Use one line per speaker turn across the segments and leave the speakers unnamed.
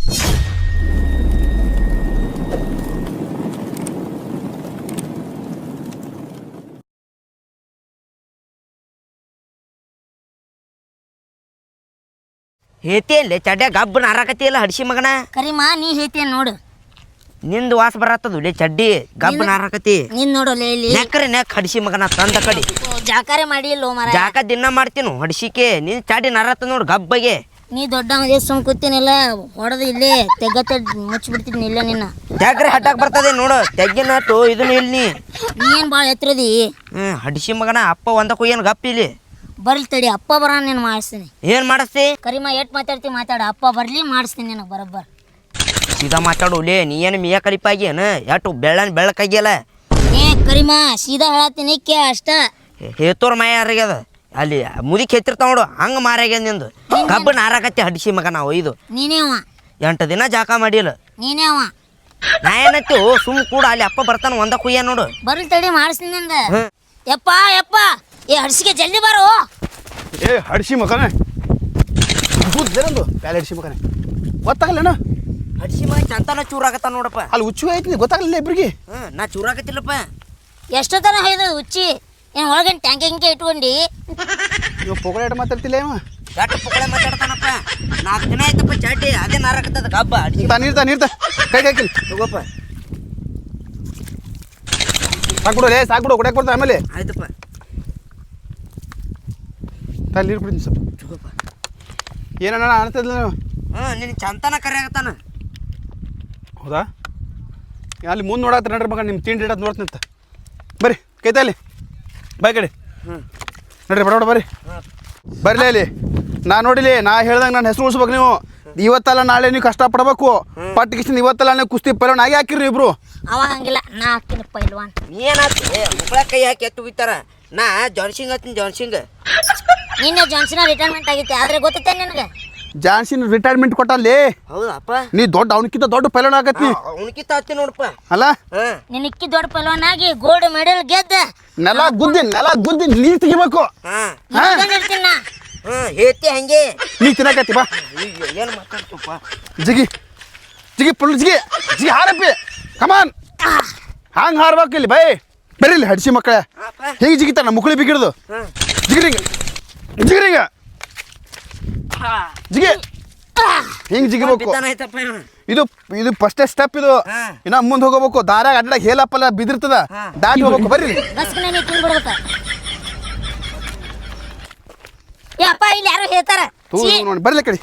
ಹೇತಿಯಲ್ಲಿ ಚಡ್ಡ ಗಬ್ಬನ ಹಾರಾಕತಿಯಲ್ಲ ಹಡ್ಸಿ ಮಗನ
ಕರಿಮಾ ನೀ ಹೇಳ್ತೀಯ ನೋಡು
ನಿಂದು ವಾಸ ಬರತ್ತದು ಲೇ ಚಡ್ಡಿ ಗಬ್ಬನ ಹಾರಾಕತಿ
ನೀನ್ ನೋಡು ಇಲ್ಲಿ
ನೆಕ್ಕರೆ ನೆಕ್ ಹಡ್ಸಿ ಮಗನ ತಂದ ಕಡಿ
ಜಾಕಾರೆ ಮಾಡಿ ಇಲ್ಲೋ ಮರ
ಜಾಕ ದಿನ ಮಾಡ್ತೀನು ಹಡ್ಸಿಕೆ ನಿನ್ ಚಡ್ಡಿ ನರತ್ತ ನೋಡು ಗಬ್ಬಗೆ
ನೀ ದೊಡ್ಡ ಸುಮ್ ಕೂತೀನಿಲ್ಲ ಹೊಡೆದು ಇಲ್ಲೇ ತೆಗ್ಗತ್ತೆ ಮುಚ್ಚಿಬಿಡ್ತೀನಿ ಇಲ್ಲ ನಿನ್ನ
ಜಾಗ್ರೆ ಹಟ್ಟಾಕ್ ಬರ್ತದೆ ನೋಡು ತೆಗ್ಗಿನ ನಾಟು ಇದನ್ನು ಇಲ್ಲಿ
ನೀ ಏನ್ ಭಾಳ ಎತ್ತರದಿ
ಹಡ್ಸಿ ಮಗನ ಅಪ್ಪ ಒಂದಕ್ಕೂ ಏನು ಗಪ್ಪ ಇಲ್ಲಿ
ಬರ್ಲಿ ತಡಿ ಅಪ್ಪ ಬರ ನೀನು ಮಾಡಿಸ್ತೀನಿ
ಏನ್ ಮಾಡಿಸ್ತಿ
ಕರಿಮಾ ಎಟ್ ಮಾತಾಡ್ತಿ ಮಾತಾಡ ಅಪ್ಪ ಬರ್ಲಿ ಮಾಡಿಸ್ತೀನಿ ನಿನಗೆ ಬರೋಬ್ಬರ
ಸೀದಾ ಮಾತಾಡು ಲೇ ನೀ ಏನು ಮಿಯ ಕಲಿಪಾಗಿ ಏನು ಎಷ್ಟು ಬೆಳಕಾಗಿಯಲ್ಲ
ಏ ಕರಿಮಾ ಸೀದಾ ಹೇಳತ್ತೀನಿ ಕೇ ಅಷ್ಟ
ಹೇತೋರ್ ಮಾಯ ಯಾರಿಗ್ಯದ ಅಲ್ಲಿ ಮುದಿಕ್ ಹೆತ್ತಿರ್ತಾವ ನೋಡು ಹಂಗೆ ಮಾರ್ಯಾಗ್ಯದ ನಿಂದು ಗಬ್ಬನ ಹಾರಾಕತ್ತಿ ಹಡ್ಸಿ ಮಗ ನಾವು ಒಯ್ದು
ನೀನೇ ಅವ
8 ದಿನ ಜಾಕ ಮಾಡಿಲ್ಲ
ನೀನೇ ಅವ
ನಾ ಏನತ್ತಿ ಸುಮ್ ಕೂಡ ಅಲ್ಲಿ ಅಪ್ಪ ಬರ್ತಾನ ಒಂದ ಕುಯ್ಯ ನೋಡು
ಬರ್ಲಿ ತಡಿ ಮಾಡಿಸ್ತೀನಿ ನಂದ ಯಪ್ಪ ಯಪ್ಪ ಏ ಹಡ್ಸಿಗೆ ಜಲ್ದಿ ಬಾರೋ
ಏ ಹಡ್ಸಿ ಮಗನೇ ಬುದ್ಧರಂದು ಪ್ಯಾಲೆ ಹಡ್ಸಿ ಮಗನೇ ಗೊತ್ತಾಗಲ್ಲಣ್ಣ
ಹಡ್ಸಿ ಮಗ ಚಂತನ ಚೂರಾಗತ್ತ ನೋಡಪ್ಪ
ಅಲ್ಲಿ ಹುಚ್ಚು ಐತಿ ಗೊತ್ತಾಗಲಿಲ್ಲ ಇಬ್ರಿಗೆ
ನಾ ಚೂರಾಗತ್ತಿಲ್ಲಪ್ಪ
ಎಷ್ಟೊತ್ತನ ಹೊಯ್ದು ಹುಚ್ಚಿ ಏನು ಒಳಗೇನು ಟ್ಯಾಂಕ್ ಹಿಂಗೆ ಇಟ್ಕೊಂಡು
ಇವ ಪೊಗಳೆ ಮಾತಾಡ್ತಿಲ್ಲ ಇವ
ಎಷ್ಟು ಪುಕ್ಕಳೆ ಮಾತಾಡ್ತಾನಪ್ಪ 4 ದಿನ ಆಯ್ತಪ್ಪ ಚಾಟಿ ಅದೇ ನಾರಾಕತ್ತದ ಗಬ್ಬ ಅಡ್ಸಿ
ನೀರ್ತ ಕೈ ಹಾಕಿಲ್ಲ
ತಗೋಪ್ಪ
ಸಾಕ್ಬಿಡು ಲೇ ಸಾಕ್ಬಿಡು ಕೊಡಕ್ಕೆ ಬರ್ತಾ ಆಮೇಲೆ
ಆಯ್ತಪ್ಪ
ತಾಲಿ ನೀರು ಕುಡಿತೀನಿ ಸ್ವಲ್ಪ
ತಗೋಪ್ಪ
ಏನಣ್ಣ ಅನ್ತದಿಲ್ಲ ನೀವು
ನಿನ್ನ ಚಂತನ ಕರೆಯಾಗತ್ತಾನ
ಹೌದಾ ಅಲ್ಲಿ ಮುಂದೆ ನೋಡತ್ತೀರಿ ನಡ್ರಿ ಮಗ ನಿಮ್ಮ ತಿಂಡಿ ಇಡೋದು ನೋಡ್ತೀನಿ ಬರ್ರಿ ಕೈತಾಲಿ ಬಾಯ್ ಕಡೆ ನಡ್ರಿ ಬಡ ಬರ್ರಿ ಬರ್ಲಿ ಅಲ್ಲಿ ನಾ ನೋಡಿಲಿ ನಾ ಹೇಳ್ದಂಗೆ ನಾನು ಹೆಸರು ಉಳಿಸ್ಬೇಕು ನೀವು ಇವತ್ತಲ್ಲ ನಾಳೆ ನೀವು ಕಷ್ಟಪಡ್ಬೇಕು ಪಟ್ಟಿಗಿಷ್ಟು ಇವತ್ತಲ್ಲ ನೀವು ಕುಸ್ತಿ ಪೈಲವಾನ್ ಆಗಿ ಹಾಕಿರಿ ಇಬ್ರು
ಅವ ಹಂಗಿಲ್ಲ ನಾ ಹಾಕ್ತೀನಿ ಪೈಲ್ವಾನ್
ನೀ ಏನಾಗ್ತಿ ಮುಕ್ಕಳ ಕೈ ಹಾಕಿ ಎತ್ತು ಬಿತ್ತಾರ ನಾ ಜಾನ್ಸಿಂಗ್ ಹತ್ತೀನಿ ಜಾನ್ಸಿಂಗ್
ನಿನ್ನೆ ಜಾನ್ಸನ್ ರಿಟೈರ್ಮೆಂಟ್ ಆಗೈತೆ ಆದ್ರೆ ಗೊತ್ತೈತೆ ನಿನಗೆ
ಜಾನ್ಸಿನ್ ರಿಟೈರ್ಮೆಂಟ್ ಕೊಟ್ಟಲ್ಲಿ
ಹೌದಪ್ಪ
ನೀ ದೊಡ್ಡ ಅವನಕ್ಕಿಂತ ದೊಡ್ಡ ಪೈಲವಾನ್ ಆಗತ್ತಿ
ಅವನಕ್ಕಿಂತ ಹತ್ತಿ ನೋಡಪ್ಪ
ಅಲ್ಲ
ನಿನಕ್ಕಿ ದೊಡ್ಡ ಪೈಲ್ವಾನ್ ಆಗಿ ಗೋಲ್ಡ್ ಮೆಡಲ್ ಗೆದ್ದ
ನೆಲ ಗುದ್ದಿ ನೀರು ತೆಗಿಬೇಕು
ಇರ್ತೀನಿ ನಾ
ಹೇತಿ ಹಂಗೆ
ನೀ ತಿನ್ನಕತ್ತಿ ಬಾ
ಏನು ಮಾತಾಡ್ತಪ್ಪ
ಜಿಗಿ ಪುಲ್ ಜಿಗಿ ಹಾರಪ್ಪಿ ಕಮಾನ್ ಹಂಗೆ ಹಾರ್ಬೇಕು ಇಲ್ಲಿ ಬೈ ಬರ್ರಿ ಇಲ್ಲಿ ಹಡ್ಸಿ ಮಕ್ಕಳೇ ಹೇಗೆ ಜಿಗಿತಾರ ನಮ್ಮ ಮುಕ್ಕಳಿ ಬಿಗಿಡ್ದು ಜಿಗಿರಿಂಗ ಜಿಗಿ ಹಿಂಗೆ ಜಿಗಿಬೇಕು ಇದು ಫಸ್ಟೇ ಸ್ಟೆಪ್ ಇದು ಇನ್ನ ಮುಂದೆ ಹೋಗಬೇಕು ದಾರಾಗ ಅಡ್ಡಾಗ ಹೇಲಪ್ಪಲ್ಲ ಬಿದಿರ್ತದ ದಾಟಿ ಹೋಗ್ಬೇಕು ಬರ್ರಿ
ಬಸ್ಕನೇ ತಿನ್ಬಿಡ್ಬೇಕ ಏ ಅಪ್ಪ ಇಲ್ಲಿ ಯಾರು ಹೇಳ್ತಾರ
ನೋಡಿ ಬರ್ಲಿ ಕಡೆ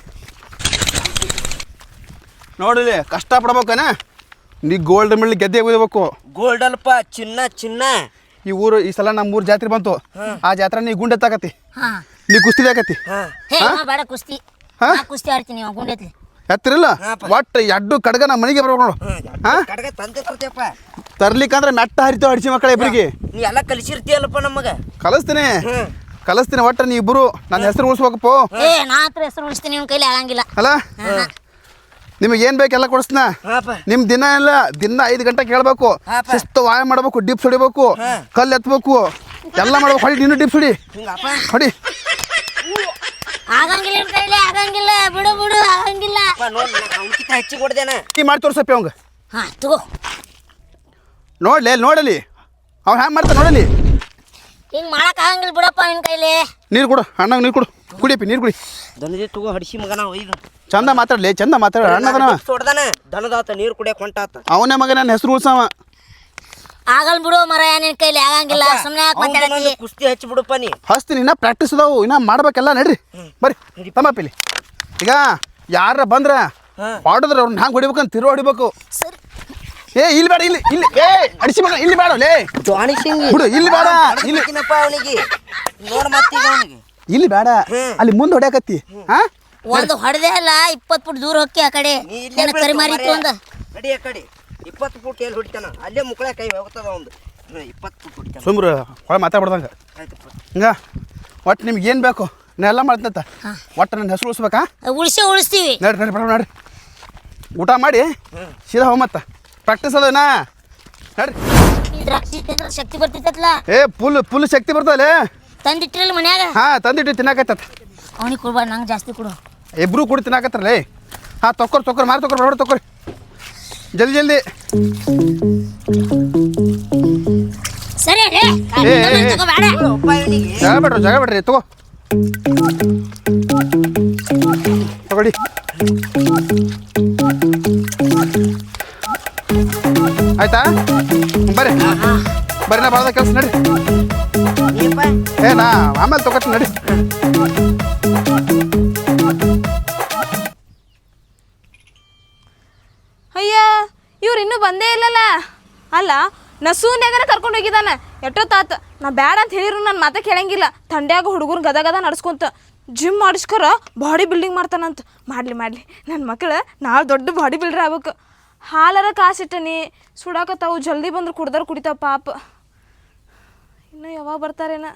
ನೋಡಿಲಿ ಕಷ್ಟ ಪಡ್ಬೇಕನ ನೀ ಗೋಲ್ಡ್ ಮೆಡಲ್ ಗೆದ್ದೆ ಒಯ್ಬೇಕು
ಗೋಲ್ಡ್ ಅಲ್ಪ ಚಿನ್ನ
ಈ ಊರು ಈ ಸಲ ನಮ್ಮ ಊರು ಜಾತ್ರೆ ಬಂತು ಆ ಜಾತ್ರೆ ನೀ ಗುಂಡೆ ತಾಕತಿ ನೀ ಕುಸ್ತಿ ಆಕತಿ
ಬೇಡ ಕುಸ್ತಿ ಕುಸ್ತಿ ಆಡ್ತೀನಿ ಗುಂಡೈತಿ
ಎತ್ತಿರಲ್ಲ ಒಟ್ಟು ಎಡ್ಡು ಕಡ್ಗ ನಮ್ಮ ಮನೆಗೆ ಬರ್ಬೇಕು ನೋಡು
ಕಡೆಗೆ ತಂದೆ ತರ್ತೇಪ್ಪ
ತರ್ಲಿಕ್ಕಂದ್ರೆ ಮೆಟ್ಟ ಹರಿತೇವೆ ಹಡ್ಸಿ ಮಕ್ಕಳ ಇಬ್ಬರಿಗೆ
ನೀ ಎಲ್ಲ ಕಲಿಸಿರ್ತೀಯಲ್ಲಪ್ಪ ನಮಗ
ಕಲಿಸ್ತೀನಿ ಒಟ್ಟು ನೀ ಇಬ್ಬರು ನನ್ನ ಹೆಸರು ಉಳಿಸ್ಬೇಕಪ್ಪ
ನಾ ಹತ್ರ ಹೆಸರು ಉಳಿಸ್ತೀನಿ ನಿಮ್ ಕೈಲಿ ಆಗಂಗಿಲ್ಲ
ಅಲ್ಲ ನಿಮಗೆ ಏನು ಬೇಕೆಲ್ಲ ಕೊಡಿಸ್ನ ನಿಮ್ಮ ದಿನ ಎಲ್ಲ ದಿನ 5 ಗಂಟೆ ಕೇಳಬೇಕು ಶಿಸ್ತು ವ್ಯಾಯಾಮ ಮಾಡಬೇಕು ಡಿಪ್ಸ್ ಹೊಡಿಬೇಕು ಕಲ್ಲು ಎತ್ತಬೇಕು ಎಲ್ಲ ಮಾಡ್ಬೇಕು ಹೊಡಿ ನೀನು ಡಿಪ್ಸ್ ಹೊಡಿ
ಆಗಂಗಿಲ್ಲ ನಿಮ್ ಕೈಲಿ ಆಗಂಗಿಲ್ಲ ಬಿಡು ಆಗಂಗಿಲ್ಲ
ಹೆಚ್ಚಿಗೆ ಕೊಡ್ದೇನ
ನೀ ಮಾಡಿ ತೋರ್ಸಪ್ಪಿ ಅವಂಗ
ತಗೋ
ನೋಡಲಿ ಅವ್ನು ಹ್ಯಾಂಗ ಮಾಡ್ತಾನೆ ನೋಡಲಿ
ಹಿಂಗ್ ಮಾಡಕ್ ಆಗಂಗಿಲ್ಲ ಬಿಡಪ್ಪ ನಿನ್ ಕೈಲಿ
ನೀರು ಕೊಡು ಅಣ್ಣಂಗೆ ನೀರು ಕೊಡು ಕುಡಿಯಪ್ಪಿ ನೀರು ಕುಡಿ
ದನದಿ ತಗೋ ಹಡ್ಸಿ ಮಗನ ಒಯ್ದು
ಚಂದ ಮಾತಾಡ್ಲಿ ಅಣ್ಣದನ
ತೊಡ್ದಾನ ದನದಾತ ನೀರು ಕುಡಿಯಕ್ ಹೊಂಟಾತ
ಅವನೇ ಮಗ ನನ್ನ ಹೆಸರು ಉಳ್ಸವ
ಆಗಲ್ ಬಿಡು ಮರ ನಿನ್ ಕೈಲಿ ಆಗಂಗಿಲ್ಲ ಸುಮ್ಮನೆ
ಕುಸ್ತಿ ಹಚ್ಚಿ ಬಿಡಪ್ಪ ನೀ
ಹಚ್ತೀನಿ ಇನ್ನ ಪ್ರಾಕ್ಟೀಸ್ ಅದಾವು ಇನ್ನ ಮಾಡ್ಬೇಕೆಲ್ಲ ನಡ್ರಿ ಬರ್ರಿ ತಮ್ಮಪ್ಪಿಲಿ ಈಗ ಯಾರ ಬಂದ್ರ ಹೊಡೆದ್ರೆ ಅವ್ರನ್ನ ಹ್ಯಾಂಗ ಹೊಡಿಬೇಕಂತ ತಿರು ಹೊಡಿಬೇಕು ಇಲ್ಲಿ ಬೇಡ ಇಲ್ಲಿ ಏ ಅಡಿಸಿ ಮಗ ಇಲ್ಲಿ ಬೇಡ ಲೇ ಬಿಡು ಇಲ್ಲಿ ಬೇಡ
ಅವನಿಗೆ ನೋಡ್ ಮತ್ತೀಗ ಅವನಿಗೆ
ಇಲ್ಲಿ ಬೇಡ ಅಲ್ಲಿ ಮುಂದೆ ಹೊಡ್ಯಾಕತ್ತಿ
ಒಂದು ಹೊಡೆದೇ ಅಲ್ಲ 20 ಫುಟ್ ದೂರ ಹೋಗಿ ಆ ಕಡೆ ಕರಿಮಾರಿತ್ತು ಒಂದು
ನಡಿ ಆ ಕಡೆ 20 ಫುಟ್ ಎಲ್ಲಿ ಹೊಡಿತಾನ ಅಲ್ಲೇ ಮುಕ್ಕಳ ಕೈ ಹೋಗ್ತದ ಒಂದು 20 ಫುಟ್ ಹೊಡಿತಾನ
ಸುಮ್ರು ಹೊಳ ಮಾತಾಡ್ಬಾರ್ದಂಗ ಹಿಂಗ ಒಟ್ಟು ನಿಮ್ಗೆ ಏನು ಬೇಕು ನಾ ಎಲ್ಲ ಮಾಡ್ತಂತ ಒಟ್ಟು ನನ್ನ ಹೆಸರು ಉಳಿಸ್ಬೇಕಾ
ಉಳಿಸ್ತೀವಿ
ನಡ್ರಿ ನಡ್ರಿ ಊಟ ಮಾಡಿ ಸೀದಾ ಹೋಗ ಮತ್ತ ಪ್ರಾಕ್ಟೀಸ್ ಅದನಾ ನಡ್ರಿ
ದ್ರಾಕ್ಷಿ ತಿಂದ್ರೆ ಶಕ್ತಿ ಬರ್ತಿತ್ತಲ್ಲ
ಫುಲ್ ಶಕ್ತಿ ಬರ್ತದಲ್ಲೇ
ತಂದಿಟ್ಟಿರಲ್ಲ ಮನ್ಯಾಗ
ತಂದಿಟ್ಟು ತಿನ್ನಾಕತ್ತ
ಅವನಿಗೆ ಕೊಡ್ಬಾರ್ದು ನಂಗೆ ಜಾಸ್ತಿ ಕೊಡು
ಇಬ್ರು ಕೂಡ ತಿನ್ನಾಕತ್ತಾರಲ್ಲೇ ಹಾಂ ತೊಕ್ಕೊರಿ ಮಾರಿ ತೊಕ್ಕೊರಿ ಬಡ ತೊಕ್ಕೊರಿ ಜಲ್ದಿ
ಸರಿ ರೀ ತಗೋಬೇಡ
ಜಾಗ ಬಿಡ್ರಿ ತಗೊಳ್ಳಿ ಆಯ್ತಾ ಬರ್ರಿ ನಾ ಬಾಳ್ದ ಕೆಲಸ ನಡಿ ನಾ ಆಮೇಲೆ ತಗೋತೀನಿ ನಡಿ
ಅಯ್ಯ ಇವ್ರು ಇನ್ನೂ ಬಂದೇ ಇಲ್ಲಲ್ಲ ಅಲ್ಲ ನಸೂನ್ಯಾಗನ ಕರ್ಕೊಂಡು ಹೋಗಿದ್ದಾನೆ ಎಷ್ಟೊತ್ತಾತ ನಾ ಬ್ಯಾಡ ಅಂತ ಹೇಳಿದ್ರು ನನ್ನ ಮಾತೆ ಕೇಳಂಗಿಲ್ಲ ಥಂಡ್ಯಾಗ ಹುಡುಗರು ಗದ ನಡ್ಸ್ಕೊಂತ ಜಿಮ್ ಮಾಡಿಸ್ಕರ ಬಾಡಿ ಬಿಲ್ಡಿಂಗ್ ಮಾಡ್ತಾನಂತ ಮಾಡಲಿ ನನ್ನ ಮಕ್ಕಳು ನಾಳೆ ದೊಡ್ಡ ಬಾಡಿ ಬಿಲ್ಡರ್ ಆಗ್ಬೇಕು ಹಾಲರ ಕಾಸಿಟ್ಟನಿ ಸುಡಾಕತ್ತಾವು ಜಲ್ದಿ ಬಂದ್ರೆ ಕುಡ್ದಾರ ಕುಡಿತಾವ ಪಾಪ ಇನ್ನು ಯಾವಾಗ ಬರ್ತಾರೇನ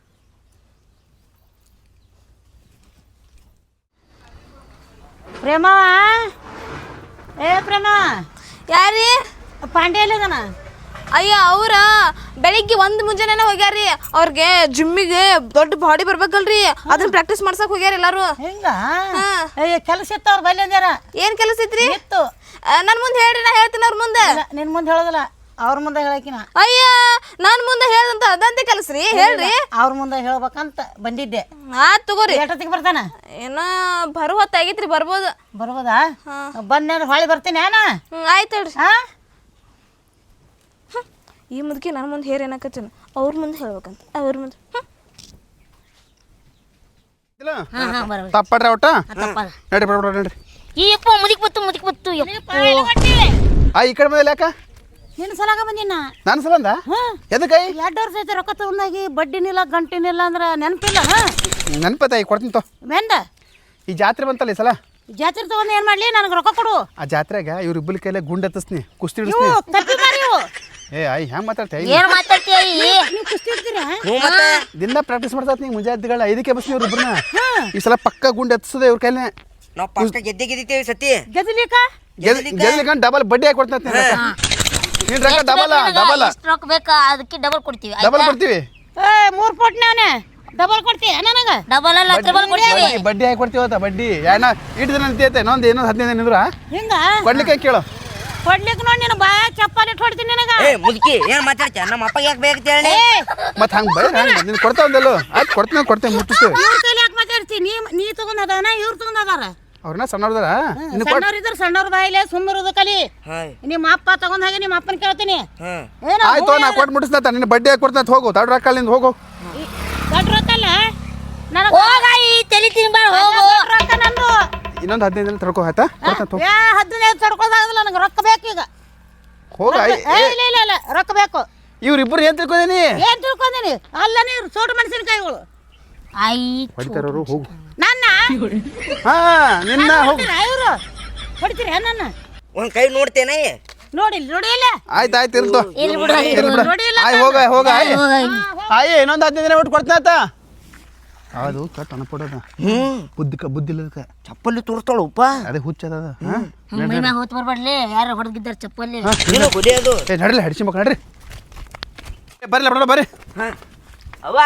ಪ್ರೇಮ ಪ್ರೇಮ
ಯಾರೀ
ಪಾಂಡೆ ಎಲ್ಲದನ
ಅಯ್ಯ ಅವ್ರ ಬೆಳಿಗ್ಗೆ ಒಂದು ಮುಂಜಾನೆ ಹೋಗ್ಯಾರಿ ಅವ್ರಿಗೆ ಜಿಮ್ಮಿಗೆ ದೊಡ್ಡ ಬಾಡಿ ಬರ್ಬೇಕಲ್ರಿ ಅದನ್ನ ಪ್ರಾಕ್ಟೀಸ್ ಮಾಡ್ಸಕ್ ಹೋಗ್ಯಾರ ಎಲ್ಲಾರು
ಹಿಂಗ ಕೆಲಸ ಇತ್ತು ಅವ್ರ ಬಲ್ಲಿ ಅಂದ್ಯಾರ
ಏನ್ ಕೆಲಸ ಐತ್ರಿ
ಇತ್ತು
ನನ್ ಮುಂದೆ ಹೇಳ್ರಿ ನಾ ಹೇಳ್ತೀನಿ ಅವ್ರ ಮುಂದೆ
ನಿನ್ ಮುಂದೆ ಹೇಳೋದಿಲ್ಲ ಅವ್ರ ಮುಂದೆ ಹೇಳಕಿನ
ಅಯ್ಯ ನಾನ್ ಮುಂದೆ ಹೇಳ್ದಂತ ಅದಂತೆ ಕೆಲಸ ರೀ ಹೇಳ್ರಿ
ಅವ್ರ ಮುಂದೆ ಹೇಳ್ಬೇಕಂತ ಬಂದಿದ್ದೆ
ಆತ್ ತಗೋರಿ
ಎಷ್ಟೊತ್ತಿಗೆ ಬರ್ತಾನ
ಏನ ಬರೋ ಹೊತ್ತಾಗೈತ್ರಿ ಬರ್ಬೋದು
ಬರ್ಬೋದಾ ಬಂದ ಹೊಳಿ ಬರ್ತೀನಿ ಏನ
ಆಯ್ತು ಹೇಳ್ರಿ ಈ ಮುದುಕಿ ನನ್ನ ಮುಂದೆ ಹೇರ್ ಏನಾಕತ್ತೇನ ಅವ್ರ ಮುಂದೆ ಹೇಳ್ಬೇಕಂತ ಅವ್ರ ಮುಂದೆ
ತಪ್ಪಡ್ರಿ ಒಟ್ಟ ನಡ್ರಿ ಬಡ ನಡ್ರಿ
ಯಪ್ಪ ಮುದಿಕ್ ಬತ್ತು
ಈ ಕಡೆ ಬಂದಿಲ್ಲ ಯಾಕ
ನಿನ್ನ ಸಲಾಗ ಬಂದಿನ
ನಾನು ಸಲಂದ ಎದಕ್ಕೆ
2 ವರ್ಷ ಐತೆ ರೊಕ್ಕ ತಗೊಂಡಾಗಿ ಬಡ್ಡಿನಿಲ್ಲ ಗಂಟಿನಿಲ್ಲ ಅಂದ್ರೆ ನೆನಪಿಲ್ಲ
ನೆನಪತ್ತಾಯಿ ಕೊಡ್ತೀನಿ ತೋ
ಮೆಂದ
ಈ ಜಾತ್ರೆ ಬಂತಲ್ಲ ಈ ಸಲ
ಜಾತ್ರೆ ತಗೊಂಡು ಏನು ಮಾಡಲಿ ನನಗೆ ರೊಕ್ಕ ಕೊಡು
ಆ ಜಾತ್ರೆಗೆ ಇವ್ರ ಇಬ್ಬರ ಕೈಲೇ ಗುಂಡ್ ಹತ್ತಿಸ್ನಿ ಕುಸ್ತಿ ಹಿಡಿಸ್ನಿ
ತಪ್ಪಿ ಮಾರಿ
ಹೆಂಗ್ ಮಾತಾಡ್ತೀಯ
ಏನ್ ಮಾತಾಡ್ತೀಯ
ನೀವು ಕುಸ್ತಿ ಇರ್ತೀರಾ
ದಿನ ಪ್ರಾಕ್ಟೀಸ್ ಮಾಡ್ತಾ ನೀ ಮುಂಜಾನೆಗಳ 5ಕ್ಕೆ ಬಸ್ನಿ ಇವ್ರ ಇಬ್ಬರನ್ನ ಈ ಸಲ ಪಕ್ಕ ಗುಂಡ್ ಹತ್ತಿಸದೆ ಇವ್ರ ಕೈಲೇ
ನಾವು ಫಸ್ಟ್ ಗೆದ್ದಿದ್ದೇವೆ ಸತಿ
ಗೆದಲಿಕ
ಗೆದ್ಲಿಕಂಡ್ ಡಬಲ್ ಬಡ್ಡಿ ಹಾಕಿ ಕೊಡ್ತೀನಿ ನೀನ್ ರೊಕ್ಕ ಡಬಲ್
ಎಷ್ಟು ರೊಕ್ಕ ಬೇಕಾ ಅದಕ್ಕೆ ಡಬಲ್ ಕೊಡ್ತೀವಿ
ಡಬಲ್ ಕೊಡ್ತೀವಿ
3 ಪೋಟ್ನಾನೆ ಡಬಲ್ ಕೊಡ್ತೀಯ ನನಗೆ
ಡಬಲ್ ಅಲ್ಲ ಟ್ರಿಬಲ್ ಕೊಡ್ತೀವಿ
ಬಡ್ಡಿ ಹಾಕಿ ಕೊಡ್ತೀವತ್ತ ಬಡ್ಡಿ ಯಾನ ಇಟ್ಟು ದಿನ ನಿಂತೈತೆ ಇನ್ನೊಂದು 15 ದಿನ ನಿಂದ್ರ
ಹಿಂಗ
ಕೊಡ್ಲಿಕ್ಕೆ ಕೇಳು
ಕೊಡ್ಲಿಕ್ಕೆ ನೋಡಿ ನಿನ್ನ ಬಾಯ ಚಪ್ಪಾಲಿ ಹೊಡ್ತೀನಿ ನಿನಗ
ಮುದುಕಿ ಏನ್ ಮಾತಾಡ್ತೀಯ ನಮ್ಮ ಅಪ್ಪ ಯಾಕೆ ಬೇಕಂತ ಹೇಳಿ
ಮತ್ತೆ ಹಂಗೆ ಬೈ ನೀನು ಕೊಡ್ತಾ ಒಂದಲ್ಲ ಆಯ್ತು ಕೊಡ್ತೀನಿ ಮುಟ್ಟಿಸ್ತೀವಿ
ಇವ್ರ ಕೈಲಿ ಯಾಕೆ ಮಾತಾಡ್ತಿ ನೀ ತಗೊಂಡದಾನ ಇವ್ರು ತಗೊಂಡದಾರ
ಅವ್ರನ್ನ ಸಣ್ಣವ್ರದಾರ
ಸಣ್ಣವ್ರು ಇದ್ರ ಸಣ್ಣವ್ರ ಬಾಯಿಲೆ ಸುಮ್ಮರುದು ಕಲಿ ನಿಮ್ಮ ಅಪ್ಪ ತಗೊಂಡ್ ಹಾಗೆ ನಿಮ್ಮ ಅಪ್ಪನ ಕೇಳ್ತೀನಿ
ಆಯ್ತು ನಾ ಕೊಟ್ಟು ಮುಟ್ಟಿಸ್ತಾ ನಿನ್ನ ಬಡ್ಡಿ ಹಾಕಿ ಕೊಡ್ತಾ ಹೋಗು ತಡ ರೊಕ್ಕ ನಿಂದ ಹೋಗು
ದೊಡ್ಡ ರೊಕ್ಕಲ್ಲ
ಹೋಗಾಯಿ ತಲೆ ತಿನ್ಬಾರ ಹೋಗು
ರೊಕ್ಕ ನಂದು
ಇನ್ನೊಂದು 15 ದಿನ ತಡ್ಕೋ ಆಯ್ತಾ ಕೊಡ್ತಾ
15 ತಡ್ಕೋದಾಗಲ್ಲ ನನಗೆ ರೊಕ್ಕ ಬೇಕು ಈಗ
ಹೋಗ
ಇಲ್ಲ ರೊಕ್ಕ ಬೇಕು
ಇವ್ರಿಬ್ರು ಏನ್ ತಿಳ್ಕೊಂಡೇನಿ
ಏನ್ ತಿಳ್ಕೊಂಡೀನಿ ಅಲ್ಲ ನೀವು ಸೋಟು ಮೆಣಸಿನಕಾಯಿಗಳು
ಹೊಡಿತಾರವ್ರು ಹೋಗು
ನನ್ನ
ನಿನ್ನ ಹೋಗು
ಇವರು ಹೊಡಿತೀರಿ ನನ್ನ
ಒಂದ್ ಕೈ ನೋಡ್ತೇನೆ
ನೋಡಿಲ್ಲ
ಆಯ್ತು ಇರ್ತು
ನೋಡಿಲ್ಲ
ಆಯ್ ಹೋಗ ಆಯ್ ಇನ್ನೊಂದು 15 ದಿನ ಬಿಟ್ಟು ಕೊಡ್ತೀನಿ ಆಯ್ತಾ ಅದು ಕಟ್ ಅನ್ಪಡೋದ ಬುದ್ಧಿ ಇಲ್ಲದಕ್ಕೆ
ಚಪ್ಪಲಿ ತೋರಿಸ್ತಾಳು ಉಪ್ಪ
ಅದೇ ಹುಚ್ಚದ
ಮೈ ಮ್ಯಾಗ ಹೋತ್ ಬರ್ಬಾರ್ಲಿ ಯಾರು ಹೊಡೆದಿದ್ದಾರ ಚಪ್ಪಲ್ಲಿ
ಕುಡಿಯೋದು
ನಡ್ರಿ ಹಡಿಸಿ ಮಕ್ಕ ನಡ್ರಿ ಬರ್ಲಿ ಬಿಡೋಣ ಬರ್ರಿ
ಅವ್ವ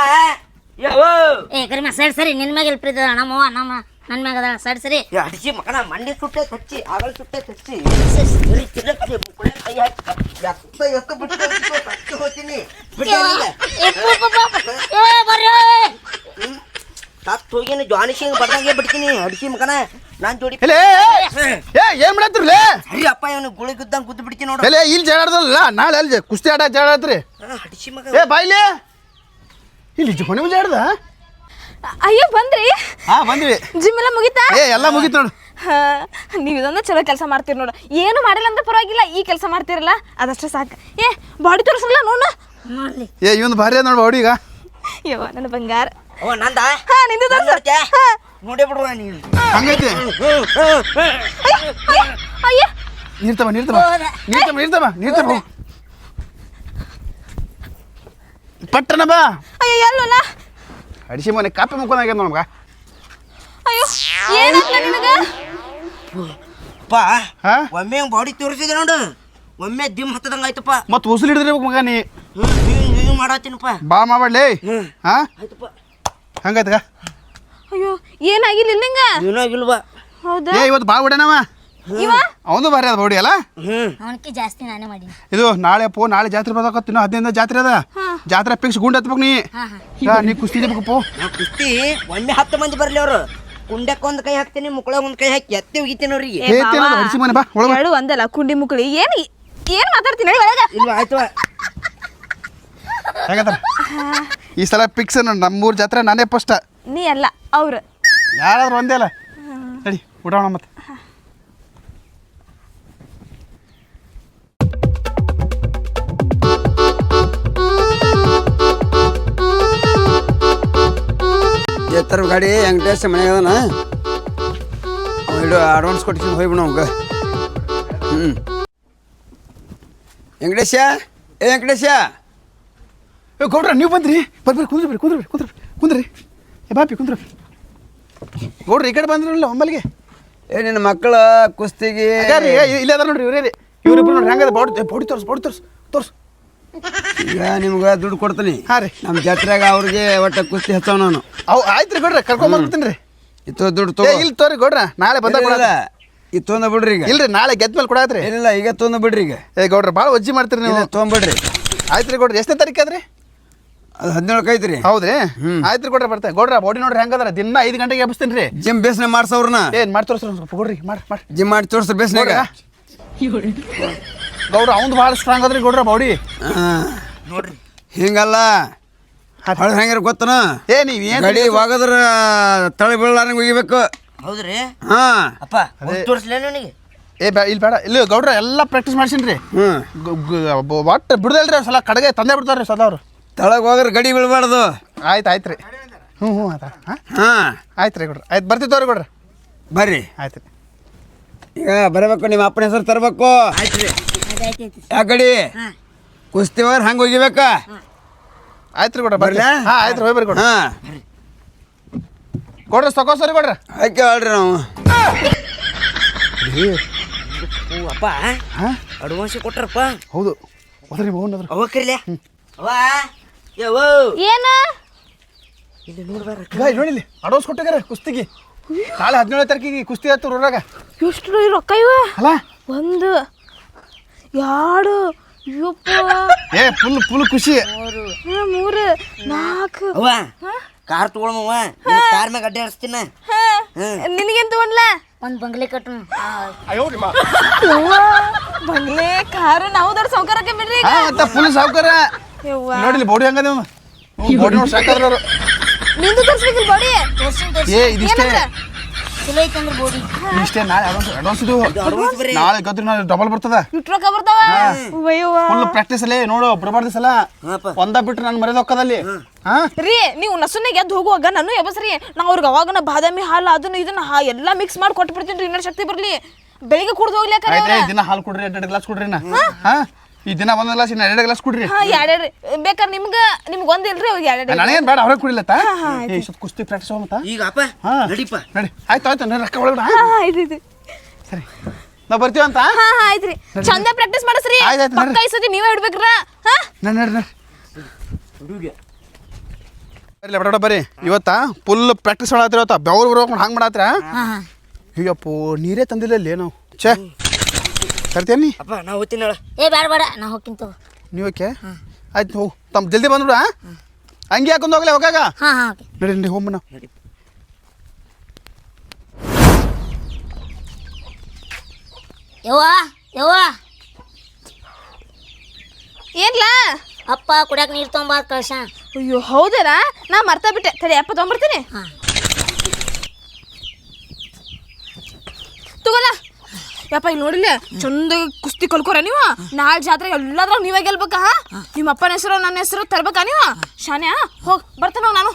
ಕರಿಮ ಸರಿ ನಿನ್ ಮ್ಯಾಗ ಎಲ್ಪ್ರಿ ನಮ್ಮವ್ವ ನನ್ನ ಮ್ಯಾಗ ಅದ ಸರಿ
ಅಡಿಸಿ ಮಕ್ಕಳ ಮಂಡಿ ಸುಟ್ಟೆ ತಚ್ಚಿ ಆಗಲ್ ಸುಟ್ಟೆ ತಚ್ಚಿ ಹೋಗ್ತೀನಿ ತತ್ ಹೋಗಿನ ಜಾನಿ ಸಿಂಗ್ ಬರ್ದಂಗೆ ಬಿಡ್ತೀನಿ ಅಡಿಸಿ ಮಕನ ನಾನ್ ಜೋಡಿ
ಏನ್ ಮಾಡತ್ರಿ
ಸರಿ ಅಪ್ಪ ಇವನು ಗುಳಿ ಗುದ್ದಂಗೆ ಗುದ್ದು ಬಿಡ್ತೀನಿ ನೋಡು
ಇಲ್ಲಿ ಜಾಡದಲ್ಲ ನಾಳೆ ಅಲ್ಲಿ ಕುಸ್ತಿ ಆಡ ಜಾಡತ್ರಿ
ಅಡಿಸಿ ಮಗ
ಬಾಯ್ಲಿ ಇಲ್ಲಿ ಹೊಣೆ ಮುಂಜೆ ಆಡ್ದ
ಅಯ್ಯೋ ಬಂದ್ರಿ
ಬಂದ್ವಿ
ಜಿಮ್ ಎಲ್ಲ ಮುಗಿತಾ
ಎಲ್ಲ ಮುಗೀತು ನೋಡು
ನೀವು ಇದೊಂದು ಚಲೋ ಕೆಲಸ ಮಾಡ್ತೀರಿ ನೋಡು ಏನು ಮಾಡಿಲ್ಲ ಅಂದ್ರೆ ಪರವಾಗಿಲ್ಲ ಈ ಕೆಲಸ ಮಾಡ್ತಿರಲ್ಲ ಅದಷ್ಟೇ ಸಾಕು ಬಾಡಿ ತೋರಿಸಲ್ಲ ನೋಡ
ನೋಡ್ಲಿ
ಇವನು ಭಾರಿ ಅದ ನೋಡು ಬಾಡಿ ಈಗ
ಯವ್ವ ನನ್ನ ಬಂಗಾರ
ಓ ನಂದ
ನಿಂದು ತೋರ್ಸು.
ನೋಡೇ ಬಿಡುವ ನೀನು
ಹಂಗೈತಿ
ಅಯ್ಯ
ನೀರ್ತಮ್ಮ ಪಟ್ಟಣ ಬಾ
ಅಯ್ಯೋ ಎಲ್ಲಲ್ಲ
ಅಡಿಸಿ ಮನೆ ಕಾಪಿ ಮುಕ್ಕೊಂಡಾಗ್ಯದ ನಮ್ಗ
ಅಯ್ಯೋ ಏನಾಗ್ಲ ನಿನಗ
ಪಾ ಒಮ್ಮೆ ಬಾಡಿ ತೋರಿಸಿದೆ ನೋಡು ಒಮ್ಮೆ ದಿಮ್ ಹತ್ತದಂಗ ಆಯ್ತಪ್ಪ
ಮತ್ ಉಸುಲು ಹಿಡಿದ್ರಿ ಮಗ ನೀ
ಮಾಡತ್ತೀನಪ್ಪ
ಬಾ ಮಾಡ್ಲಿ
ಆಯ್ತಪ್ಪ
ಹಂಗಾಯ್ತಗ
ಅಯ್ಯೋ ಏನಾಗಿಲ್ಲ ನಿಂಗ
ಏನಾಗಿಲ್ವಾ
ಹೌದಾ
ಏ ಇವತ್ತು ಭಾಳ ಹೊಡ್ಯಾನವ
ಇವ
ಅವನು ಭಾರಿ ಅದ ಬೌಡಿ ಅಲ್ಲ
ಅವನಕ್ಕೆ ಜಾಸ್ತಿ ನಾನೇ ಮಾಡೀನಿ.
ಇದು ನಾಳೆ ಜಾತ್ರೆ ಬರ್ಬೇಕತ್ತು ಇನ್ನೂ 15 ಜಾತ್ರೆ ಅದ ಜಾತ್ರೆ ಫಿಕ್ಸ್ ಗುಂಡ್ ಹತ್ಬೇಕು ನೀ ಕುಸ್ತಿ ಬೇಕಪ್ಪ
ನಾ ಕುಸ್ತಿ ಒಮ್ಮೆ 10 ಮಂದಿ ಬರ್ಲಿ ಅವ್ರು ಕುಂಡಕ್ಕೆ ಒಂದು ಕೈ ಹಾಕ್ತೀನಿ ಮುಕ್ಕಳಾಗ ಒಂದು ಕೈ ಹಾಕಿ ಎತ್ತಿ ಹೋಗಿತೀನಿ ಅವ್ರಿಗೆ.
ಹೊಡಿಸಿ ಮನೆ ಬಾ ಒಳಗೆ
ಎರಡು ಒಂದಲ್ಲ ಕುಂಡಿ ಮುಕ್ಳಿ ಏನ್ ಮಾತಾಡ್ತೀನಿ ಒಳಗ
ಇಲ್ವಾ ಆಯ್ತು
ಹೇಗತ್ತಾರ ಈ ಸಲ ಫಿಕ್ಸ್ ನಮ್ಮೂರು ಜಾತ್ರೆ ನಾನೇ ಫಸ್ಟ್
ನೀ ಅಲ್ಲ ಅವ್ರು
ಯಾರಾದ್ರೂ ಒಂದೇ ಅಲ್ಲ ನಡಿ ಊಟ ಮತ್ತೆ
ಎತ್ತರ ಗಾಡಿ ವೆಂಕಟೇಶ ಮನೆಗೆ ಅದನ ಅಡ್ವಾನ್ಸ್ ಕೊಟ್ಟಿದ್ದೀನಿ ಹೋಗ್ಬಿಡು ಅವಾಗ ವೆಂಕಟೇಶ ವೆಂಕಟೇಶ
ಗೌಡ್ರ ನೀವು ಬಂದ್ರಿ ಬರ್ರಿ ಕುಂದ್ರಿ ಏ ಬಾಪಿ ಕುಂದ್ರಿ ಗೌಡ್ರಿ ಈ ಕಡೆ ಬಂದ್ರಲ್ಲ ಒಮ್ಮಲ್ಲಿಗೆ
ನಿನ್ನ ಮಕ್ಕಳ ಕುಸ್ತಿಗೆ
ಇಲ್ಲೇ ಅದ ನೋಡ್ರಿ ಇವ್ರೇ ಇವ್ರಿಬ್ರು ನೋಡ್ರಿ ಹೆಂಗದ ಬಾಡಿ ತೋರ್ಸು
ಈಗ ನಿಮ್ಗೆ ದುಡ್ಡು ಕೊಡ್ತೀನಿ
ಹಾಂ ರೀ
ನಮ್ಮ ಜಾತ್ರೆಗೆ ಅವ್ರಿಗೆ ಒಟ್ಟು ಕುಸ್ತಿ ಹಚ್ಚವ ನಾನು
ಆಯ್ತು ರೀ ಗೌಡ್ರ ಕರ್ಕೊಂಬರ್ತೀನಿ ರೀ
ಇತ್ತು ದುಡ್ಡು ತಗೋ
ಇಲ್ಲಿ ತೋರಿ ಗೌಡ್ರ ನಾಳೆ ಬಂದಾಗ
ಇದು ತೊಂದ ಬಿಡ್ರಿ ಈಗ
ಇಲ್ರಿ ನಾಳೆ ಗೆದ್ದ ಮೇಲೆ ಕೊಡಾತ್ರಿ
ಏನಿಲ್ಲ ಈಗ ತೊಂದ ಬಿಡ್ರಿ ಈಗ
ಏ ಗೌಡ್ರ ಭಾಳ ವಜ್ಜಿ ಮಾಡ್ತೀರಿ ನೀವು
ತೊಗೊಂಬಿಡ್ರಿ
ಆಯ್ತು ರೀ ಗೌಡ್ರ ಎಷ್ಟನೇ ತಾರೀಕು ಅದ್ರಿ
ಅದು 17 ಐತ್ರಿ
ಹೌದ್ರಿ ಆಯ್ತು ರೀ ಗೌಡ್ರ ಬರ್ತೇವೆ ಗೌಡ್ರ ಬಾಡಿ ನೋಡ್ರಿ ಹೆಂಗದ್ರ ದಿನ 5 ಗಂಟೆಗೆ ಎಬ್ಬಿಸ್ತೀನಿ ರೀ
ಜಿಮ್ ಬೇಸ್ನ ಮಾಡ್ಸವ್ರನ್ನ
ಏನು ಮಾಡಿ ತೋರಿಸ್ರಿ ಸ್ವಲ್ಪ ಗೌಡ್ರಿ ಮಾಡಿ
ಜಿಮ್ ಮಾಡಿ ತೋರಿಸ್ರಿ ಬೇಸ್ನಾಗ
ಗೌಡ್ರ ಅವ್ನು ಭಾಳ ಸ್ಟ್ರಾಂಗ್ ಅದ್ರಿ ಗೌಡ್ರ ಬಾಡಿ
ನೋಡ್ರಿ
ಹಿಂಗಲ್ಲ ಹೊಳೆ ಹೆಂಗಾರ ಗೊತ್ತನ
ಏ ನೀವು ಏನು
ಗಾಡಿ ಹೋಗದ್ರ ತಳಿ ಬೀಳಾರಂಗೆ ಒಗಿಬೇಕು
ಹೌದ್ರಿ
ಹಾಂ
ಅಪ್ಪ ತೋರಿಸ್ಲೇ ನನಗೆ
ಇಲ್ಲಿ ಬೇಡ ಇಲ್ಲಿ ಗೌಡ್ರ ಎಲ್ಲ ಪ್ರಾಕ್ಟೀಸ್ ಮಾಡ್ಸೀನಿ ರೀ ಒಟ್ಟು ಬಿಡ್ದಲ್ರಿ ಸಲ ಕಡೆಗೆ ತಂದೆ ಬಿಡ್ತಾರ್ರಿ ಸದಾ ಅವರು
ತಳಗೆ ಹೋಗ್ರೆ ಗಡಿ ಬೀಳ್ಬಾರ್ದು
ಆಯ್ತು ರೀ ಹ್ಞೂ ಆಯ್ತಾ
ಹಾಂ
ಆಯ್ತು ರೀ ಗೌಡ್ರ ಆಯ್ತು ಬರ್ತಿತ್ತವ್ರಿ ಗೌಡ್ರ
ಬರ್ರಿ
ಆಯ್ತು ರೀ
ಈಗ ಬರಬೇಕು ನಿಮ್ಮ ಅಪ್ಪನ ಹೆಸರು ತರಬೇಕು
ಆಯ್ತು ರೀ
ಯಾಕೆ ಗಡಿ ಕುಸ್ತಿ ಹೋಗ್ರೆ ಹಂಗೆ ಒಗಿಬೇಕಾ
ಆಯ್ತು ರೀ ಗೌಡ್ರ
ಬರ್ಲಾ?
ಹಾಂ ಆಯ್ತು ರೀ ಹೋಗಿ ಬರ್ರಿ ಗೌಡ್ರ
ಹಾಂ
ಗೌಡ್ರ ಸರಿ ಗೌಡ್ರ
ಆಯ್ಕೆ ಹೇಳ್ರಿ ನಾವು
ಅಪ್ಪ
ಹಾಂ
ಅಡ್ವಾನ್ಸ್ ಕೊಟ್ರಪ್ಪ
ಹೌದು ಹೋದ್ರಿ ಮೌನ್ ಅದ್ರ
ಅವ ಕರಿಲೆ ಅವ್ವ ಯವ್ವ
ಏನ
ಇಲ್ಲಿ ನೋಡ್ಬಾರ
ನೋಡಿಲಿ ಅಡ್ವಾನ್ಸ್ ಕೊಟ್ಟಿಗಾರ ಕುಸ್ತಿಗೆ ನಾಳೆ 17 ತಾರೀಕಿಗೆ ಕುಸ್ತಿ ಆಯ್ತು ಊರಾಗ
ಎಷ್ಟು ರೊಕ್ಕ ಇವ
ಅಲ್ಲ
1 2 ಯಪ್ಪ
ಏ ಫುಲ್ ಖುಷಿ
3 4
ಅವ್ವ ಕಾರ್ ತಗೊಳಮವ್ವ ಕಾರ್ ಮ್ಯಾಗ ಅಡ್ಡಾಡಿಸ್ತೀನ
ನಿನಗೇನ್ ತಗೊಂಡ್ಲ
ಒಂದು ಬಂಗ್ಲೆ ಕಟ್ಟು.
ಬಂಗ್ಲೆ ಕಾರು ನಾವು ದೊಡ್ಡ ಸೌಕರ್ಯಕ್ಕೆ ಬಿಡ್ರಿ ಈಗ.
ಮತ್ತೆ ಫುಲ್ ಸಾವ್ಕಾರ
ಯವ್ವ
ನೋಡಿಲಿ ಬಾಡಿ ಹೆಂಗದ ಬಾಡಿ ನೋಡಿ ಸಾಕಾದ್ರ ಅವರು
ನಿಂದು ತೋರಿಸ್ಬೇಕಿಲ್ಲ ಬಾಡಿ
ಏ ಇದಿಷ್ಟೇ
ಚಲೋ ಐತಂದ್ರೆ ಬೋಡಿ.
ಇಷ್ಟೇ ನಾಳೆ ಅಡ್ವಾನ್ಸ್ ಇದು
ಅಡ್ವಾನ್ಸ್ ಬರೀ
ನಾಳೆ ಗದ್ರಿ ನಾಳೆ ಡಬಲ್ ಬರ್ತದ
ಇಟ್ಟು ರೊಕ್ಕ ಬರ್ತಾವ ಅಯ್ಯವ್ವ
ಫುಲ್ ಪ್ರಾಕ್ಟೀಸ್ ಅಲ್ಲೇ ನೋಡು ಬಿಡಬಾರ್ದು ಸಲ ಒಂದ ಬಿಟ್ರೆ ನಾನು ಮರ್ಯಾದ ಹೋಕ್ಕದಲ್ಲಿ ಹಾ
ರೀ ನೀವು ನಸುನಾಗ ಎದ್ದು ಹೋಗುವಾಗ ನಾನು ಎಬಸ್ರಿ ನಾ ಅವ್ರಿಗೆ ಅವಾಗ ಬಾದಾಮಿ ಹಾಲು ಅದನ್ನ ಇದನ್ನ ಎಲ್ಲ ಮಿಕ್ಸ್ ಮಾಡಿ ಕೊಟ್ಬಿಡ್ತೀನಿ ರೀ ಇನ್ನೂ ಶಕ್ತಿ ಬರ್ಲಿ ಬೆಳಿಗ್ಗೆ ಕುಡ್ದು ಹೋಗ್ಲಿಕ್ಕೆ
ಆಯ್ತು ದಿನ ಹಾಲು ಕೊಡ್ರಿ 2 ಗ್ಲಾಸ್ ಕೊಡ್ರಿ ನಾ ಹಾ ಈ ದಿನ 1 ಗ್ಲಾಸ್ ಇನ್ನ 2 ಗ್ಲಾಸ್ ಕೊಡ್ರಿ
ಹಾ ಎರಡೆರಡು ಬೇಕಾದ್ರೆ ನಿಮ್ಗೆ ಒಂದಿಲ್ರಿ ಅವ್ರಿಗೆ ಎರಡೆರಡು
ನನಗೇನು ಬೇಡ ಅವ್ರಿಗೆ ಕುಡಿಲತ್ತ ಏ ಸ್ವಲ್ಪ ಕುಸ್ತಿ ಪ್ರಾಕ್ಟೀಸ್ ಹೋಗತ್ತ
ಈಗ ಅಪ್ಪ
ಹಾ
ನಡಿಪ್ಪ
ನಡಿ ಆಯ್ತು ನಾನು ರೊಕ್ಕ ಒಳಗಡ
ಆಯ್ತು
ಸರಿ ನಾವು ಬರ್ತೀವಂತ
ಹಾ ಆಯ್ತ್ರಿ ಚಂದ ಪ್ರಾಕ್ಟೀಸ್ ಮಾಡಿಸ್ರಿ
ಆಯ್ತ್
ಪಕ್ಕ ಈ ಸತಿ ನೀವೇ ಇಡ್ಬೇಕ್ರ ಹಾ
ನಡಿ ಬರ್ಲಿ ಬಡ ಬರ್ರಿ ಇವತ್ತ ಫುಲ್ ಪ್ರಾಕ್ಟೀಸ್ ಮಾಡತ್ರಿ ಇವತ್ತ ಬೆವ್ರು ಬರ್ಕೊಂಡು ಹಂಗೆ ಮಾಡತ್ರ ಅಯ್ಯಪ್ಪೋ ನೀರೇ ತಂದಿಲ್ಲ ನಾವು ಛೇ ತರ್ತೀಯ
ಅಪ್ಪ ನಾ ಹೋಗ್ತೀನಿ ಹೇಳ
ಬೇಡ ನಾ ಹೋಗ್ಕಿಂತ.
ನೀವು ಓಕೆ ಆಯ್ತು ಹೋಗು ತಮ್ಮ ಜಲ್ದಿ ಬಂದ್ಬಿಡ ಹಂಗೆ ಹಾಕೊಂಡು ಹೋಗ್ಲಿ ಹೋಗಾಗ
ಹಾಂ ಓಕೆ.
ನಡಿ ಹೋಗ್ಬ ನಾವು
ಯವ್ವ
ಏನ್ಲ
ಅಪ್ಪ ಕುಡಿಯಾಕ ನೀರು ತೊಗೊಂಬ ಕಳ್ಸ.
ಅಯ್ಯೋ ಹೌದರಾ ನಾ ಮರ್ತಾ ಬಿಟ್ಟೆ ತಡಿ ಅಪ್ಪ ತೊಗೊಂಬರ್ತೀನಿ
ಹಾಂ
ತಗೋಲ್ಲ ಯಪ್ಪ ಇಲ್ಲಿ ನೋಡಿಲ್ಲ ಚಂದ ಕುಸ್ತಿ ಕಲ್ಕೋರ ನೀವು ನಾಳೆ ಜಾತ್ರೆ ಎಲ್ಲಾದ್ರಾಗ ನೀವೇ ಗೆಲ್ಬೇಕಾ ನಿಮ್ಮ ಅಪ್ಪನ ಹೆಸರು ನನ್ನ ಹೆಸರು ತರ್ಬೇಕಾ ನೀವು ಶಾನ್ಯಾ ಹೋಗ್ ಬರ್ತಾನ ನಾನು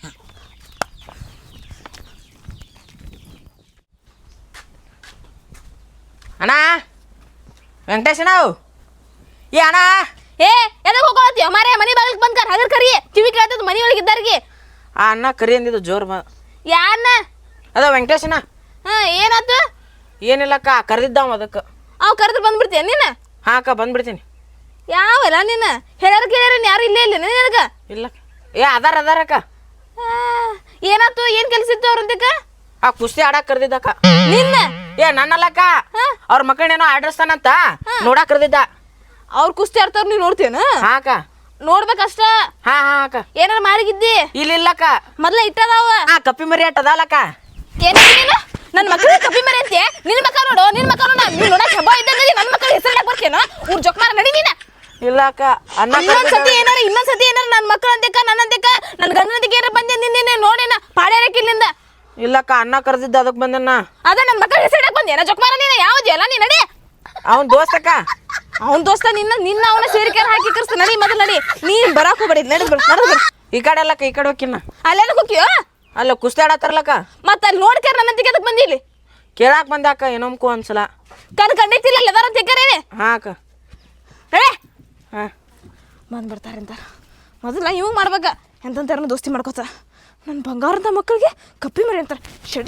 ಅಣ್ಣ ವೆಂಕಟೇಶ್ ನಾವು ಏ ಅಣ್ಣ
ಏ ಎದಕ್ಕೆ ಹೋಗೋತ್ತೀಯ ಮಾರೇ ಮನೆ ಬಾಗಿಲಿಗೆ ಬಂದ್ಕಾರ ಹಗರ್ ಕರಿ ಕಿವಿ ಕೇಳ್ತದ ಮನೆ ಒಳಗೆ ಇದ್ದಾರಿಗೆ
ಆ ಅಣ್ಣ ಕರಿ ಅಂದಿದ್ದು ಜೋರ್
ಯಾರನ್ನ
ಅದ ವೆಂಕಟೇಶನ
ಹಾ ಏನಾಯ್ತು
ಏನಿಲ್ಲಕ್ಕ ಕರೆದಿದ್ದಾವ ಅದಕ್ಕೆ
ಅವ್ ಕರೆದ್ರೆ ಬಂದ್ಬಿಡ್ತೀಯ ನೀನು
ಹಾಂ ಅಕ್ಕ ಬಂದ್ಬಿಡ್ತೀನಿ
ಯಾವಲ್ಲ ನೀನು ಹೇಳ್ಯಾರ ಕೇಳ್ಯಾರ ಯಾರು ಇಲ್ಲೇ ಇಲ್ಲ
ಇಲ್ಲ ಏ ಅದಾರ ಅಕ್ಕ
ಏನಾಯ್ತು ಏನು ಕೆಲಸ ಇತ್ತು ಅವ್ರಂತಕ್ಕ
ಆ ಕುಸ್ತಿ ಆಡಾಕ್ ಕರ್ದಿದ್ದಕ್ಕ
ನಿನ್ನ
ಏ ನನ್ನಲ್ಲಕ್ಕ ಅವ್ರ ಮಕ್ಕಳೇನೋ ಆಡಿಸ್ತಾನಂತ ನೋಡಾಕ್ ಕರ್ದಿದ್ದ
ಅವ್ರ ಕುಸ್ತಿ ಆಡ್ತಾರ ನೀವ್ ನೋಡ್ತೇನ
ಹಾ ಅಕ್ಕ
ನೋಡ್ಬೇಕಷ್ಟ
ಹಾ ಹಾ ಅಕ್ಕ
ಏನಾರ ಮಾಡಿಗಿದ್ದಿ
ಇಲ್ಲಕ್ಕ
ಮೊದ್ಲ ಇಟ್ಟದಾವ
ಆ ಕಪ್ಪಿ ಮರಿ ಅಟ್ಟದಲ್ಲಕ್ಕ
ಏನ ನನ್ನ ಮಕ್ಕಳ ಕಪ್ಪಿ ಮರಿ ಅಂತೆ ನಿನ್ ಮಕ್ಕ ನೋಡು ನಿನ್ ಮಕ್ಕ ನೋಡ ನೀನ್ ನೋಡಕ್ ಹಬ್ಬ ಇದ್ದಂಗ ನನ್ನ ಮಕ್ಕಳ ಹೆಸರು ಬರ್ತೇನೋ ಊರ್ ಜೊಕ್ಮಾರ ನಡಿ ನೀನ
ಇಲ್ಲ ಅಕ್ಕ ಅನ್ನ
ಇನ್ನೊಂದ್ಸತಿ ಏನಾರ ನನ್ನ ಮಕ್ಕಳ ಅಂತೆಕ ನನ್ನ ಗಂಡನಂತಿಗೆ ಏನಾರ ಬಂದೆ ನಿನ್ನೆ ನೋಡೇನ ಪಾಡ್ಯಾರಕ್ಕಿಲ್ಲಿಂದ
ಇಲ್ಲಕ್ಕ ಅನ್ನ ಕರ್ದಿದ್ದ ಅದಕ್ಕೆ ಬಂದನ್ನ
ಅದ ನನ್ನ ಮಕ್ಕಳ ಹೆಸರು ಬಂದೇನ ಜೊಕ್ಮಾರ ನೀನ ಯಾವ್ದು ಅಲ್ಲ ನೀ ನಡಿ
ಅವನ್ ದೋಸ್ತಕ್ಕ
ಅವ್ನ ದೋಸ್ತ ನಿನ್ನ ಅವನ ಸೇರಿಕೆ ಹಾಕಿ ಕರ್ಸ್ತ ನಡಿ ಮೊದಲು ನಡಿ ನೀ ಬರಾಕ್ ಹೋಗ್ಬೇಡಿ ನಡಿ
ಈ ಕಡೆ ಅಲ್ಲಕ್ಕ ಈ ಕಡೆ ಹೋಗಿನ್ನ
ಅಲ್ಲೇನ ಹೋಗ್ಯೋ
ಅಲ್ಲ ಕುಸ್ತಿ ಆಡತ್ತಾರಲ್ಲಕ್ಕ
ಮತ್ತ ಅಲ್ಲಿ ನೋಡ್ಕ್ಯಾರ ನನ್ನಂತಿಗೆ ಅದಕ್ಕೆ ಬಂದಿ ಇಲ್ಲಿ
ಕೇಳಾಕ್ ಬಂದಾಕ ಏನೊಮ್ಕು ಒಂದ್ಸಲ
ಕಂಡೈತಿಲ್ಲ ಎಲ್ಲದಾರ ತೆಕ್ಕರೇನೆ
ಹಾ ಅಕ್ಕ
ನಡೆ
ಹಾ
ಬಂದ್ಬಿಡ್ತಾರೆ ಅಂತ ಮೊದಲ ಇವ್ ಮಾಡ್ಬೇಕ ಎಂತಂತಾರನ ದೋಸ್ತಿ ಮಾಡ್ಕೋತ ನನ್ನ ಬಂಗಾರದ ಮಕ್ಕಳಿಗೆ ಕಪ್ಪಿ ಮರಿ ಅಂತಾರೆ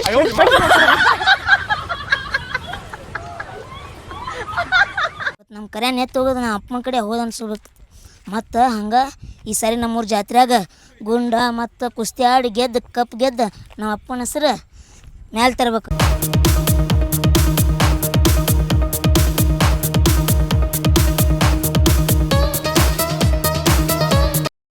ನಮ್ಮ ಕರೆ ನೆತ್ತು ಹೋಗೋದು ನಮ್ಮ ಅಪ್ಪನ ಕಡೆ ಹೋದ ಅನ್ಸ್ಬಿಡ್ತು ಮತ್ತು ಹಂಗೆ ಈ ಸಾರಿ ನಮ್ಮೂರ ಜಾತ್ರೆಯಾಗ ಗುಂಡ ಮತ್ತು ಕುಸ್ತಿ ಆಡಿ ಗೆದ್ದು ಕಪ್ ಗೆದ್ದು ನಮ್ಮ ಅಪ್ಪನ ಹೆಸರು ಮ್ಯಾಲೆ ತರಬೇಕು.